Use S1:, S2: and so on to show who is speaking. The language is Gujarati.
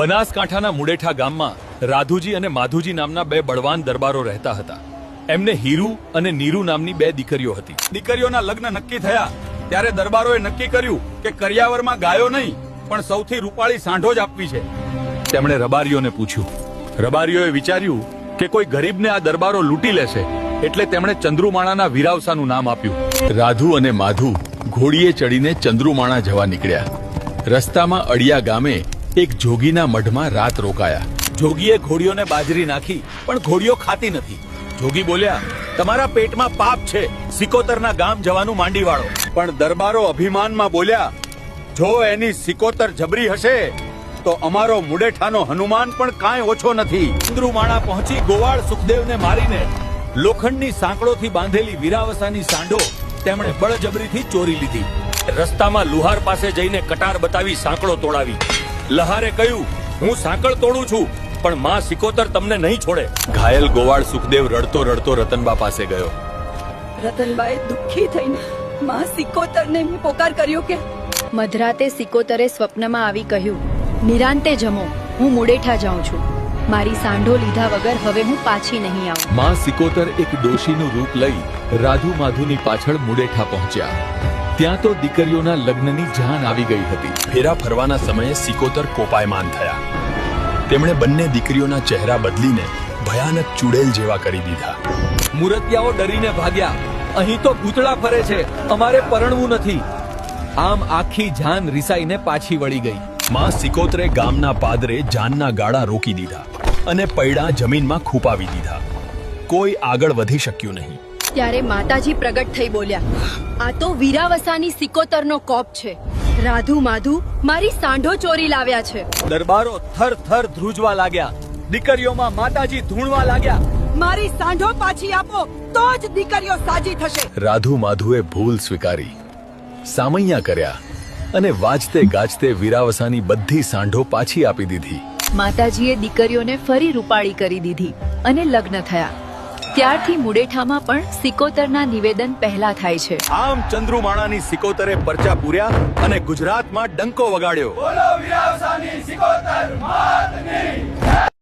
S1: બનાસકાંઠાના મુડેઠા ગામમાં રાધુજી અને માધુજી નામના બે બળવાન દરબારો રહેતા હતા. એમને હીરુ અને નીરુ નામની બે દીકરીઓ હતી. દીકરીઓના લગ્ન નક્કી થયા ત્યારે દરબારોએ નક્કી કર્યું કે કરિયાવરમાં ગાયો નહીં પણ સૌથી રૂપાળી સાંઢો જ આપવી છે. તેમણે રબારીઓને પૂછ્યું. રબારીઓએ વિચાર્યું કે કોઈ ગરીબને આ દરબારો લૂંટી લેશે એટલે તેમણે ચંદ્રુમાણાના વીરાવસાનું નામ આપ્યું. રાધુ અને માધુ ઘોડીએ ચડીને ચંદ્રુમાણા જવા નીકળ્યા. રસ્તામાં અડિયા ગામે એક જોગીના મઢમાં રાત રોકાયા. જોગીએ ઘોડીઓને બાજરી નાખી પણ ઘોડીઓ ખાતી નથી. જોગી બોલ્યા, તમારા પેટમાં પાપ છે, સિકોતરના ગામ જવાનું માંડી વાળો. પણ દરબારો અભિમાનમાં બોલ્યા, જો એની સિકોતર જબરી હશે તો અમારો મુડેઠાનો હનુમાન પણ કાંઈ ઓછો નથી. ચંદ્રુમાણા પહોંચી ગોવાળ સુખદેવને મારીને લોખંડની સાંકળોથી બાંધેલી વીરાવસાની સાંઢો તેમણે બળજબરીથી ચોરી લીધી. રસ્તામાં લુહાર પાસે જઈને કટાર બતાવી સાંકળો તોડાવી. લહારે કહ્યું, હું સાંકળ તોડું છું પણ માં સિકોતર તમને નહીં છોડે. ઘાયલ ગોવાળ સુખદેવ રડતો રડતો રતનબા પાસે ગયો.
S2: રતનબાએ દુઃખી થઈને માં સિકોતરને પોકાર કર્યો કે
S3: મધરાતે સિકોતરે સ્વપ્નમાં આવી કહ્યું, નિરાંતે જમો, હું મુડેઠા જાઉં છું. મારી સાંઢો લીધા વગર હવે હું પાછી નહીં આવું.
S1: માં સિકોતર એક ડોશીનું રૂપ લઈ રાધુ માધુની પાછળ મુડેઠા પહોંચ્યા. ત્યાં તો દીકરીઓના લગ્નની જાન આવી ગઈ હતી. ફેરા ફરવાના સમયે સિકોતર કોપાયમાન થયા. તેમણે બંને દીકરીઓના ચહેરા બદલીને ભયાનક ચુડેલ જેવા કરી દીધા. મુરતિયાઓ ડરીને ભાગ્યા. અહીં તો ભૂતળા ફરે છે, અમારે પરણવું નથી. આમ આખી જાન રિસાઈને પાછી વળી ગઈ. માં સિકોતરે ગામના પાદરે જાનના ગાળા રોકી દીધા અને પૈડા જમીનમાં ખૂપાવી દીધા. કોઈ આગળ વધી શક્યું નહીં.
S3: ત્યારે માતાજી પ્રગટ થઈ બોલ્યા, આ તો વીરાવસાની સિકોતરનો કોપ છે. રાધુ માધુ મારી સાંઢો ચોરી લાવ્યા છે.
S1: દરબારો થર થર ધ્રુજવા લાગ્યા. દીકરીઓમાં માતાજી ધૂણવા લાગ્યા.
S2: મારી સાંઢો પાછી આપો તો જ દીકરીઓ સાજી થશે.
S1: રાધુ માધુએ ભૂલ સ્વીકારી, સામૈયા કર્યા અને વાજતે ગાજતે વીરાવસાની બધી સાંઢો પાછી આપી દીધી.
S3: માતાજીએ દીકરીઓને ફરી રૂપાળી કરી દીધી અને લગ્ન થયા. ત્યારથી મુડેઠામાં પણ સિકોતરના નિવેદન પહેલા થાય છે.
S1: આમ ચંદ્રુમાણાની સિકોતરે પરચા પૂર્યા અને ગુજરાતમાં ડંકો વગાડ્યો. બોલો વીરાવસાની સિકોતર માતની.